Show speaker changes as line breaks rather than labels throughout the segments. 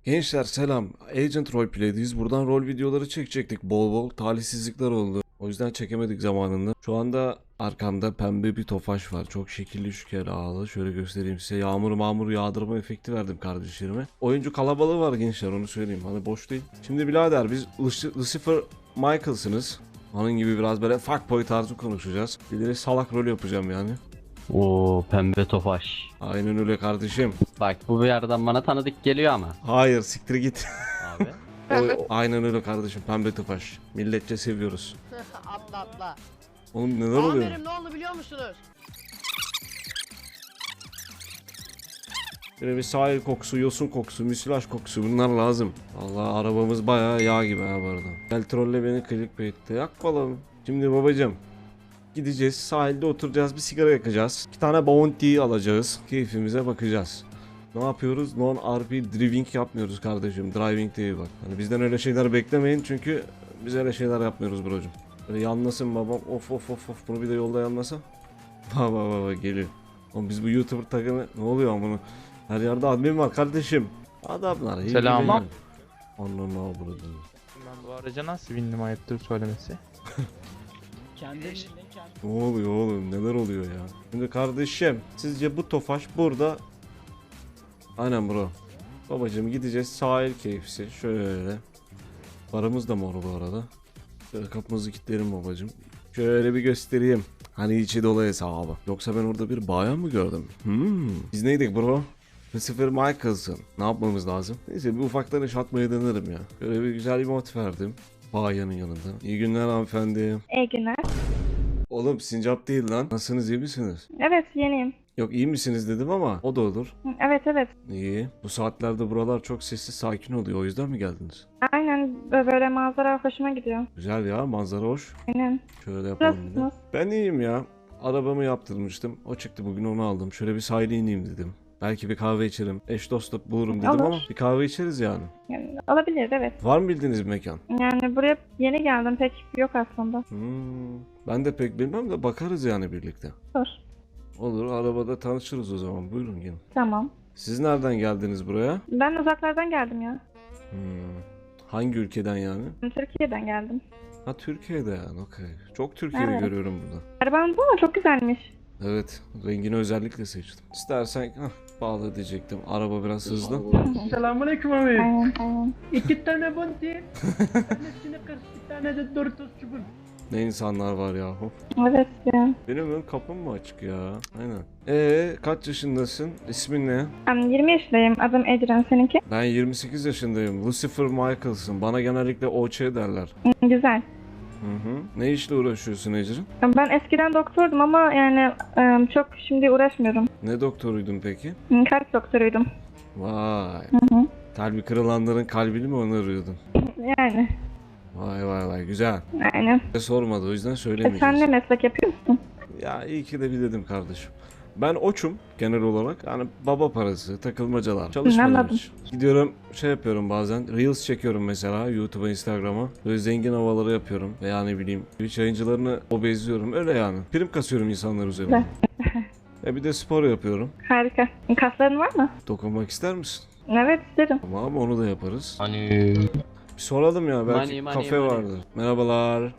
Gençler selam. Agent Roleplay'deyiz. Buradan rol videoları çekecektik. Bol bol talihsizlikler oldu. O yüzden çekemedik zamanında. Şu anda arkamda pembe bir tofaş var. Çok şekilli şükelalı. Şöyle göstereyim size. Yağmur yağdırma efekti verdim kardeşlerime. Oyuncu kalabalığı var gençler, onu söyleyeyim. Hani boş değil. Şimdi birader biz Lucifer Michael'sınız. Onun gibi biraz böyle fuckboy tarzı konuşacağız. Bir de salak rol yapacağım yani.
Oo, pembe tofaş.
Aynen öyle kardeşim.
Bak bu bir yerden bana tanıdık geliyor ama.
Hayır, siktir git.
Abi.
Aynen öyle kardeşim, pembe tofaş. Milletçe seviyoruz.
Atla.
Oğlum neler oluyor?
Amirim ne oldu biliyor musunuz?
Böyle bir sahil kokusu, yosun kokusu, müsilaj kokusu, bunlar lazım. Vallahi arabamız bayağı yağ gibi ha bu arada. Gel trolle beni clickbait'te yak bakalım. Şimdi babacım gideceğiz, sahilde oturacağız, bir sigara yakacağız. 2 tane bounty alacağız. Keyfimize bakacağız. Ne yapıyoruz? Non-RP driving yapmıyoruz kardeşim. Driving değil bak. Hani bizden öyle şeyler beklemeyin çünkü biz öyle şeyler yapmıyoruz brocum. Böyle yanlasın babam. Of. Bunu bir de yolda yanlasa. Baba geliyor. Oğlum biz bu YouTuber takımı ne oluyor amına? Her yerde admin var kardeşim. Adamlar iyi.
Selam.
Anla ne oldu?
Ben bu araca nasıl bindim ayıptır söylemesi.
Ne oluyor oğlum? Neler oluyor ya? Şimdi kardeşim, sizce bu tofaş burada? Aynen bro. Babacım gideceğiz sahil keyfisi. Şöyle. Paramız da mor bu arada. Şöyle kapımızı kilitleyelim babacım. Şöyle bir göstereyim. Hani içi dolu hesabı. Yoksa ben orada bir bayan mı gördüm? Biz neydik bro? Lucifer Michael'sın. Ne yapmamız lazım? Neyse bir ufaktan iş atmaya denerim ya. Böyle bir güzel bir mod verdim. Bayanın yanında. İyi günler hanımefendi.
İyi günler.
Oğlum sincap değil lan. Nasılsınız, iyi misiniz?
Evet, yeniyim.
Yok iyi misiniz dedim ama o da olur.
Evet.
İyi. Bu saatlerde buralar çok sessiz sakin oluyor. O yüzden mi geldiniz?
Aynen, böyle manzara hoşuma gidiyor.
Güzel ya, manzara hoş.
Aynen.
Şöyle yapalım bir de.
Nasılsınız?
Ben iyiyim ya. Arabamı yaptırmıştım. O çıktı bugün, onu aldım. Şöyle bir sahile ineyim dedim. Belki bir kahve içerim. Eş dost da bulurum dedim
Olur.
ama bir kahve içeriz yani.
Yani, olabilir, evet.
Var mı bildiğiniz bir mekan?
Yani buraya yeni geldim, pek yok aslında.
Ben de pek bilmem de bakarız yani birlikte.
Dur.
Olur, arabada tanışırız o zaman. Buyurun gelin.
Tamam.
Siz nereden geldiniz buraya?
Ben uzaklardan geldim ya.
Hangi ülkeden yani?
Türkiye'den geldim.
Ha, Türkiye'de yani, okey. Çok Türkiye'de
Evet.
görüyorum burada.
Araban bu mu? Çok güzelmiş.
Evet, rengini özellikle seçtim. İstersen bağlı diyecektim. Araba biraz hızlı.
Selamünaleyküm abi.
Aynen.
2 tane bunti. Tanesini 40, bir tane de Doritos çubuk.
Ne insanlar var yahu.
Evet ya.
Benim ön kapım mı açık ya? Aynen. Kaç yaşındasın? İsmin ne?
Ben 20 yaşındayım. Adım Ecren. Seninki?
Ben 28 yaşındayım. Lucifer Michael'sın. Bana genellikle OÇ derler.
Güzel.
Ne işle uğraşıyorsun Ecrin?
Ben eskiden doktordum ama yani çok şimdi uğraşmıyorum.
Ne doktoruydun peki?
Kalp doktoruydum.
Vay. Kalbi kırılanların kalbini mi onarıyordun?
Yani.
Vay güzel.
Aynen.
Sormadı, o yüzden
Sen
söylemeyeceğiz.
ne meslek yapıyorsun?
Ya iyi ki de bir dedim kardeşim. Ben oçum genel olarak. Yani baba parası, takılmacalar. Çalışmadım
Anladım.
hiç. Gidiyorum şey yapıyorum bazen. Reels çekiyorum mesela YouTube'a, Instagram'a. Böyle zengin havaları yapıyorum. Veya ne bileyim Twitch yayıncılarını obezliyorum. Öyle yani. Prim kasıyorum insanlar üzerine. Bir de spor yapıyorum.
Harika. Kasların var mı?
Dokunmak ister misin?
Evet, isterim.
Tamam, onu da yaparız.
Hani.
Bir soralım ya, belki
Money,
kafe
money.
vardır. Merhabalar.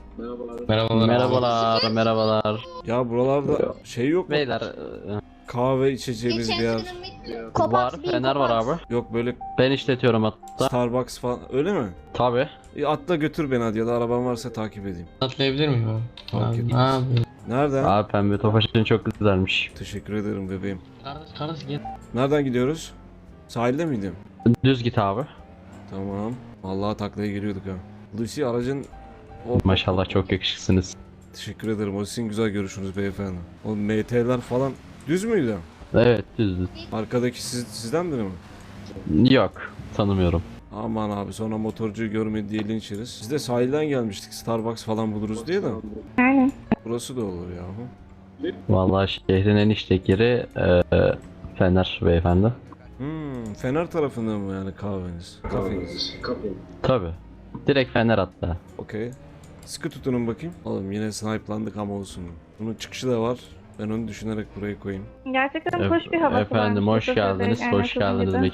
Merhabalar.
Ya buralarda şey yok mu?
Beyler
Kahve içeceğimiz bir yer.
var, fener var abi.
Yok böyle
Ben işletiyorum hatta.
Starbucks falan, öyle mi?
Tabi.
Atla götür beni hadi, ya da araban varsa takip edeyim.
Atlayabilir miyim abi?
Fark etmez.
Abi.
Nereden?
Abi pembe tofaşın çok güzelmiş.
Teşekkür ederim bebeğim.
Kardeş gel.
Nereden gidiyoruz? Sahilde miydim?
Düz git abi.
Tamam. Vallahi taklaya giriyorduk ha. Lucy aracın...
Maşallah çok yakışıksınız.
Teşekkür ederim. O sizin güzel görüşünüz beyefendi. O MT'ler falan düz müydü?
Evet düz.
Arkadaki sizden biri mi?
Yok tanımıyorum.
Aman abi, sonra motorcuyu görmedi diye linç yeriz. Biz de sahilden gelmiştik. Starbucks falan buluruz diye de.
Aynen.
Burası da olur yahu.
Vallahi şehrin en işlek yeri Fener beyefendi.
Fener tarafında mı yani kahveniz? Kafeniz.
Tabi. Direkt Fener hatta.
Okey. Sıkı tutunun bakayım. Oğlum yine snipe'landık ama olsun. Bunun çıkışı da var. Ben onu düşünerek buraya koyayım.
Gerçekten hoş bir havası
Efendim
varmış.
hoş geldiniz.
Yani
Hoş geldiniz
gibi.
mekan.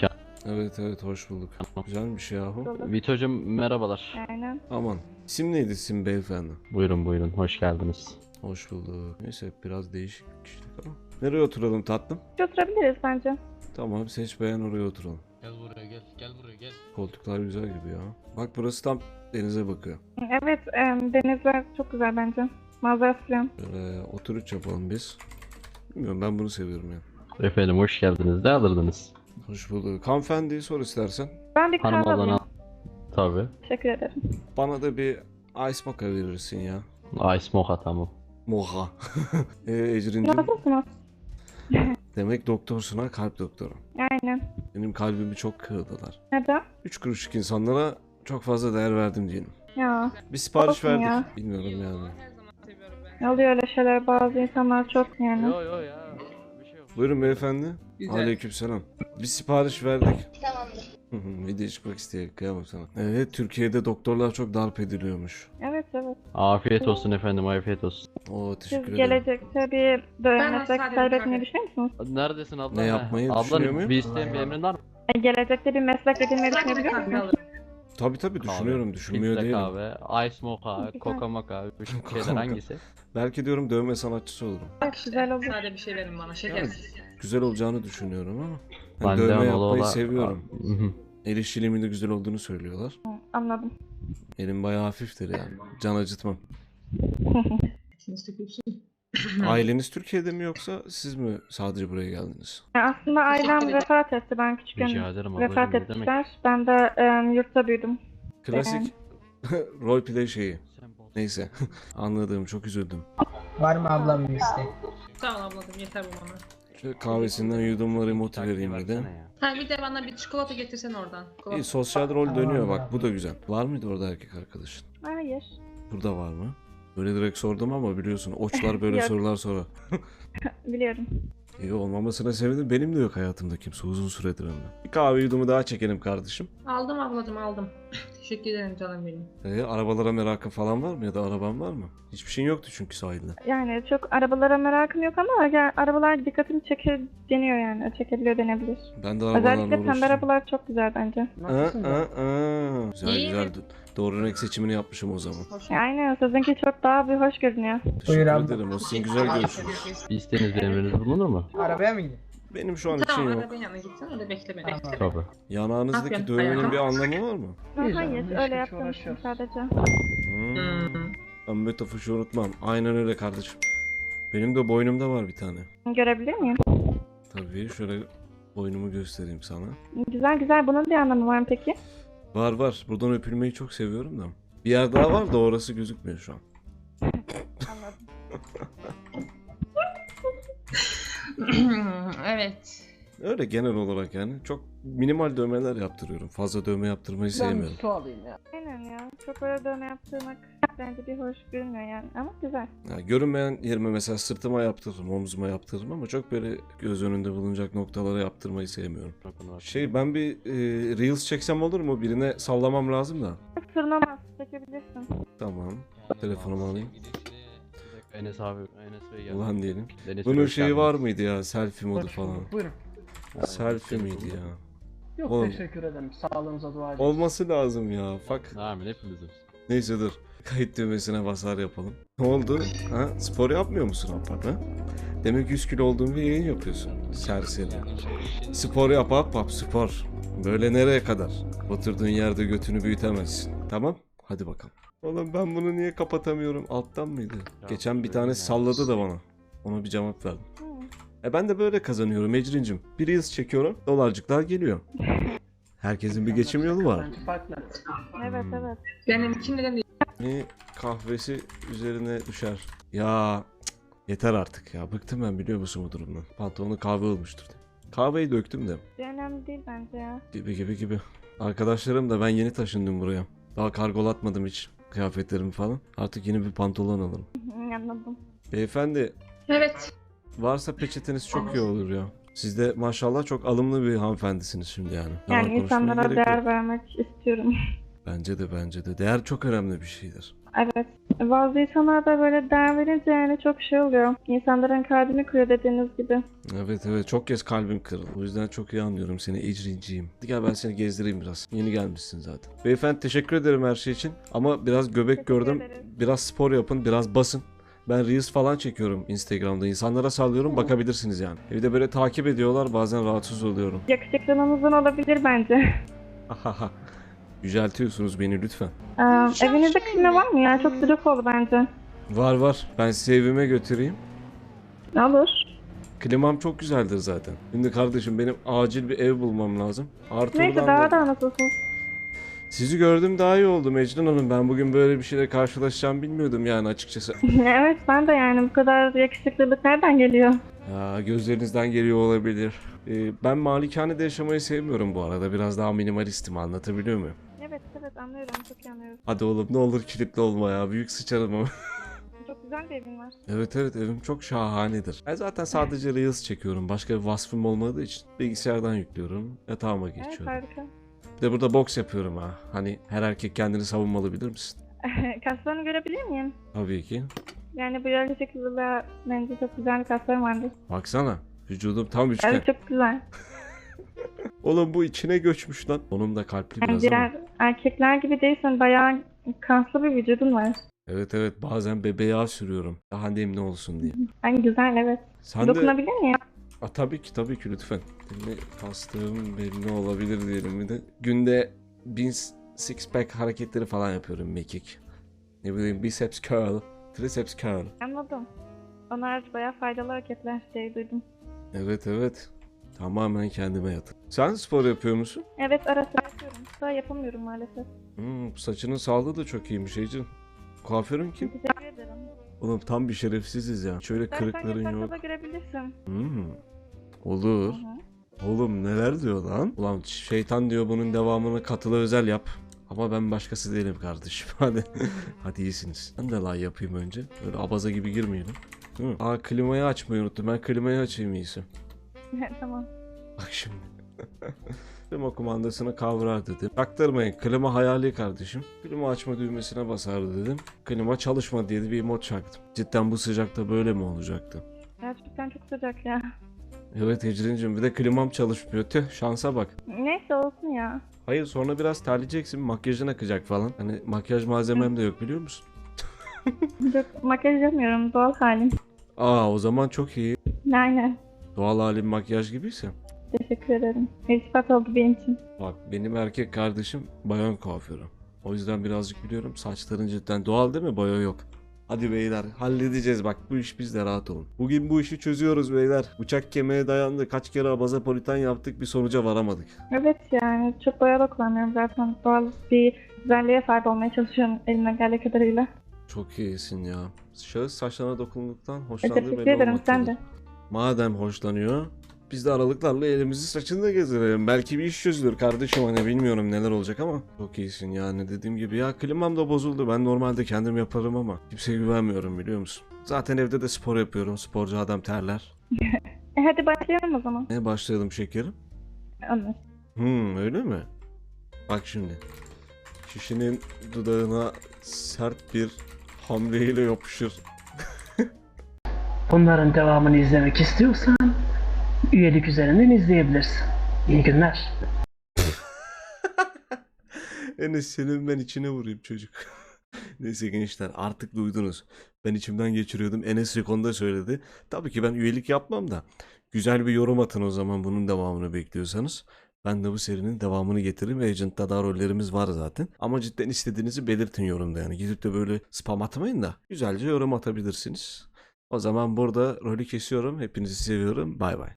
Evet evet, hoş bulduk. Güzelmiş yahu.
Bulduk.
Vito'cum merhabalar.
Aynen.
Aman. İsim neydi isim beyefendi?
Buyurun buyurun, hoş geldiniz.
Hoş bulduk. Neyse biraz değişik kişilik ama. Nereye oturalım tatlım?
Oturabiliriz bence.
Tamam, seç beğen, oraya oturalım.
Gel buraya gel. Gel buraya gel.
Koltuklar güzel gibi ya. Bak burası tam denize bakıyor.
Evet, denizler çok güzel bence. Manzarası falan.
Böyle oturuş yapalım biz. Bilmiyorum, ben bunu seviyorum ya.
Efendim hoş geldiniz. Ne alırdınız?
Hoş bulduk. Hanımefendiyi sor istersen.
Ben bir
Hanım
kahve alayım.
alana tabi.
Teşekkür ederim.
Bana da bir ice mocha verirsin ya.
Ice mocha tamam.
Mocha. Ecrin'cim,
Nasılsınız?
demek doktorsun ha, kalp doktoru.
Aynen.
Benim kalbimi çok kırdılar.
Neden?
3 kuruşluk insanlara çok fazla değer verdim diyelim.
Ya,
Bir sipariş
Olsun
verdik.
ya.
Bilmiyorum yani.
oluyor öyle şeyler, bazı insanlar çok yani.
Yo ya. Bir şey yok.
Buyurun beyefendi. Aleykümselam. Bir sipariş verdik. Tamamdır. Video çıkmak istiyor. Kıyamam sana. Evet, Türkiye'de doktorlar çok darp ediliyormuş.
Evet evet.
Afiyet olsun efendim, afiyet olsun.
Oo,
Siz
teşekkür ederim.
gelecekte bir böyle meslek
sadece
kaybetmeyi
bir
düşünüyor musunuz?
Neredesin abla?
Ne yapmayı
Abla,
düşünüyor muyum?
bir isteğin bir emrin var mı?
Gelecekte bir meslek edinmeyi
Sadece bir
düşünebiliyor
kahve
musunuz?
alırım.
Tabii tabii düşünüyorum. Düşünmüyor
Filtre
değilim.
kahve, ice mocha,
Güzel.
coca mocha, bu
Coca
şeyler
mocha.
hangisi?
Belki diyorum dövme sanatçısı olurum.
Evet, güzel olur.
Sade bir şey verin bana şekersiz.
Güzel olacağını düşünüyorum ama.
Ben
Ben
de
dövme
Anadolu'da-
yapmayı seviyorum.
Hı hı.
El işçiliğimin de güzel olduğunu söylüyorlar.
Anladım.
Elim bayağı hafiftir yani. Can acıtmam.
İçiniz tükürsün.
Aileniz Türkiye'de mi yoksa siz mi sadece buraya geldiniz?
Aslında ailem
ederim.
vefat etti. Ben küçükken
Rica ederim
vefat
ablacığım, ne demek?
ettiler. Ben de yurtta büyüdüm.
Klasik roleplay şeyi. Neyse. Anladım, çok üzüldüm.
Var mı ablam bir isteği?
Sağ ol ablacığım yeter bu bana.
Şöyle kahvesinden yudumları emote vereyim bir de.
Versene ya.
Ha bir de bana bir çikolata getirsen oradan. Çikolata.
İyi, sosyal rol
Tamam
dönüyor
ya.
bak, bu da güzel. Var mıydı orada erkek arkadaşın?
Hayır.
Burada var mı? Böyle direkt sordum ama biliyorsun oçlar böyle
Yok.
sorular sorar.
Biliyorum.
İyi, olmamasına sevindim. Benim de yok hayatımda kimse uzun süredir hem de. Bir kahve yudumu daha çekelim kardeşim.
Aldım ablacığım aldım. Teşekkür ederim canım benim.
Arabalara merakın falan var mı ya da araban var mı? Hiçbir şeyin yoktu çünkü sahilde.
Yani çok arabalara merakım yok ama yani arabalar dikkatimi çeker deniyor yani. Çekebiliyor denebilir.
Ben de arabalarla
Özellikle pembe
uğraştım.
arabalar çok güzel bence.
Güzel
İyi
güzel.
mi?
Doğru renk seçimini yapmışım o zaman.
Hoş
Aynen, sizinki çok daha bir hoş görünüyor.
Teşekkür
abla.
ederim. O sizin güzel görüşünüz.
Bir isteğiniz bir emriniz bulunur mu?
Arabaya mı gidiyor?
Benim şu an için
Tamam
yok.
arabanın yanına gitsen öyle bekle beni.
Tamam.
Tabii.
Yanağınızdaki
Aferin,
dövmenin
hayatım.
bir anlamı var mı?
Hayır,
Güzel,
öyle
hiç
yaptım
uğraşıyoruz.
sadece.
Hmm. Ben Metafuş'u unutmam. Aynen öyle kardeşim. Benim de boynumda var bir tane.
Görebilir miyim?
Tabii şöyle boynumu göstereyim sana.
Güzel güzel. Bunun bir anlamı var mı peki?
Var var. Buradan öpülmeyi çok seviyorum da. Bir yer daha var da orası gözükmüyor şu an.
Anladım.
Evet.
Öyle genel olarak yani. Çok minimal dövmeler yaptırıyorum. Fazla dövme yaptırmayı
Ben
sevmiyorum.
su alayım ya.
Aynen ya. Çok öyle dövme yaptırmak bence bir hoş görünmüyor yani. Ama güzel.
Ya görünmeyen yerime mesela sırtıma yaptırırım, omzuma yaptırırım ama çok böyle göz önünde bulunacak noktalara yaptırmayı sevmiyorum. Ben bir Reels çeksem olur mu? Birine sallamam lazım da.
Sırlamaz. Çekebilirsin.
Tamam. Telefonumu alayım.
Enes abi, Enes Bey geldi.
Ulan diyelim.
Deniz
Bunun
hoş
şeyi
geldiniz.
var mıydı ya? Selfie modu
Hoş
falan.
bulduk, buyurun.
Selfie miydi ya?
Yok
Oğlum.
teşekkür ederim. Sağlığınıza dua edin.
Olması lazım ya. Fuck.
Amin hepimizin.
Neyse dur. Kayıt düğmesine basar yapalım. Ne oldu? Ha? Spor yapmıyor musun Abbap ha? Demek 100 kilo olduğun bir yayın yapıyorsun. Serseri. Spor yap Abbap, spor. Böyle nereye kadar? Oturduğun yerde götünü büyütemezsin. Tamam? Hadi bakalım. Oğlum ben bunu niye kapatamıyorum? Alttan mıydı? Geçen bir tane salladı da bana. Ona bir cevap verdim. Ben de böyle kazanıyorum Ecrin'cim. Bir Reels çekiyorum, dolarcıklar geliyor. Herkesin bir geçim yolu var.
Bence farklı.
Evet evet.
Benim için neden değil?
Ne kahvesi üzerine düşer. Ya cık, yeter artık ya. Bıktım ben, biliyor musun bu durumdan. Pantolonu kahve olmuştur diye. Kahveyi döktüm de.
Bir önemli değil bence ya.
Gibi. Arkadaşlarım da ben yeni taşındım buraya. Daha kargolatmadım hiç kıyafetlerimi falan. Artık yeni bir pantolon alırım.
Anladım.
Beyefendi,
Evet.
varsa peçeteniz çok iyi olur ya. Siz de maşallah çok alımlı bir hanımefendisiniz şimdi yani. Yalan
Yani
konuşmaya
insanlara
gerek yok.
değer vermek istiyorum.
Bence de. Değer çok önemli bir şeydir.
Evet. Bazı insanlar da böyle değer verince yani çok şey oluyor. İnsanların kalbini kırıyor dediğiniz gibi.
Evet çok kez kalbim kırıldı. O yüzden çok iyi anlıyorum seni Ecrin'ciğim. Hadi gel ben seni gezdireyim biraz. Yeni gelmişsin zaten. Beyefendi teşekkür ederim her şey için. Ama biraz göbek
Teşekkür
gördüm.
ederim.
Biraz spor yapın, biraz basın. Ben Reels falan çekiyorum Instagram'da. İnsanlara sallıyorum, bakabilirsiniz yani. Evde böyle takip ediyorlar, bazen rahatsız oluyorum.
Yakışıklılığınızdan olabilir bence.
Ahaha. Yüceltiyorsunuz beni lütfen.
Evinizde klima var mı ya? Çok sıcak oldu bence.
Var. Ben sizi evime götüreyim.
Olur.
Klimam çok güzeldir zaten. Şimdi kardeşim benim acil bir ev bulmam lazım. Artı
Neyse
oradan
daha
da-
da nasılsınız?
Sizi gördüm daha iyi oldu Mecnun Hanım. Ben bugün böyle bir şeyle karşılaşacağımı bilmiyordum yani açıkçası.
Evet ben de yani bu kadar yakışıklılık nereden geliyor?
Ya, gözlerinizden geliyor olabilir. Ben malikanede yaşamayı sevmiyorum bu arada. Biraz daha minimalistim, anlatabiliyor muyum?
Evet anlıyorum, çok iyi anlıyorum.
Hadi oğlum ne olur kilitli olma ya. Büyük sıçarım ama.
Çok güzel bir evin var.
Evet evim çok şahanedir. Ben zaten sadece Reels çekiyorum. Başka bir vasfım olmadığı için bilgisayardan yüklüyorum. Yatağıma
Evet
geçiyorum.
harika.
Bir de burada boks yapıyorum ha. Hani her erkek kendini savunmalı, bilir misin?
Kaslarını görebilir miyim?
Tabii ki.
Yani bu yakışıklılığa bence çok güzel bir kaslarım vardı.
Baksana. Vücudum tam üçgen.
Evet çok güzel.
Oğlum bu içine göçmüş lan. Onun da kalpli
Yani
biraz ama.
diğer erkekler gibi değilsin, bayağı kaslı bir vücudun var.
Evet bazen bebe yağı sürüyorum. Daha nemli olsun diye.
Yani güzel evet.
Sen de...
Dokunabilir miyim?
Tabii ki lütfen. Şimdi kastığım belli olabilir diyelim bir de. Günde 1000 six pack hareketleri falan yapıyorum mekik. Ne bileyim biceps curl, triceps curl.
Anladım. Onlar bayağı faydalı hareketler diye duydum.
Evet. Tamamen kendime yatır. Sen spor yapıyor musun?
Evet ara sıra yapıyorum. Daha yapamıyorum maalesef.
Saçının sağlığı da çok iyiymiş Ecrin. Kuaförün kim?
Teşekkür ederim.
Oğlum tam bir şerefsiziz ya. Şöyle
İstersen
kırıkların
yatakta
yok.
da görebilirsin.
Olur.
Hı hı.
Oğlum neler diyor lan? Ulan şeytan diyor bunun devamını katılı özel yap. Ama ben başkası değilim kardeşim. Hadi iyisiniz. Ben de lay yapayım önce. Böyle abaza gibi girmeyelim. Değil mi? Klimayı açmayı unuttum. Ben klimayı açayım iyisi.
Tamam.
Bak şimdi. Klima kumandasını kavrar dedim. Taktırmayın. Klima hayali kardeşim. Klima açma düğmesine basar dedim. Klima çalışma diye bir mod çaktım. Cidden bu sıcakta böyle mi olacaktı?
Gerçekten çok sıcak ya.
Evet Ecrin'cim bir de klimam çalışmıyor. Tüh şansa bak.
Neyse olsun ya.
Hayır sonra biraz terleyeceksin. Makyajın akacak falan. Hani makyaj malzemem de yok biliyor musun?
Yok makyaj yapmıyorum, doğal halim.
O zaman çok iyi.
Aynen.
Doğal halim makyaj gibiyse.
Teşekkür ederim. İltifat oldu benim için.
Bak benim erkek kardeşim bayan kuaförü. O yüzden birazcık biliyorum. Saçların cidden doğal değil mi? Boya yok. Hadi beyler halledeceğiz bak bu iş bizde, rahat olun. Bugün bu işi çözüyoruz beyler. Bıçak kemiğe dayandı. Kaç kere abazapolitan yaptık, bir sonuca varamadık.
Evet yani çok boya da kullanmıyorum zaten. Doğal bir güzelliğe sahip olmaya çalışıyorum elimden geldiği kadarıyla.
Çok iyisin ya. Şahıs saçlarına dokunduktan hoşlandığı
Teşekkür
belli
ederim sen
olmaktadır.
de.
Madem hoşlanıyor, biz de aralıklarla elimizi saçında gezdirelim. Belki bir iş çözülür kardeşim, hani bilmiyorum neler olacak ama. Çok iyisin yani, dediğim gibi ya klimam da bozuldu. Ben normalde kendim yaparım ama kimseye güvenmiyorum biliyor musun? Zaten evde de spor yapıyorum. Sporcu adam terler.
Hadi başlayalım o zaman.
Ne başlayalım şekerim?
Anladım.
Öyle mi? Bak şimdi. Kişinin dudağına sert bir hamleyle yapışır.
Bunların devamını izlemek istiyorsan üyelik üzerinden izleyebilirsin. İyi günler.
Enes senin ben içine vurayım çocuk. Neyse gençler artık duydunuz. Ben içimden geçiriyordum. Enes Rekon'da söyledi. Tabii ki ben üyelik yapmam da. Güzel bir yorum atın o zaman bunun devamını bekliyorsanız. Ben de bu serinin devamını getiririm. Agent'ta da rollerimiz var zaten. Ama cidden istediğinizi belirtin yorumda yani. Gidip de böyle spam atmayın da. Güzelce yorum atabilirsiniz. O zaman burada rolü kesiyorum. Hepinizi seviyorum. Bay bay.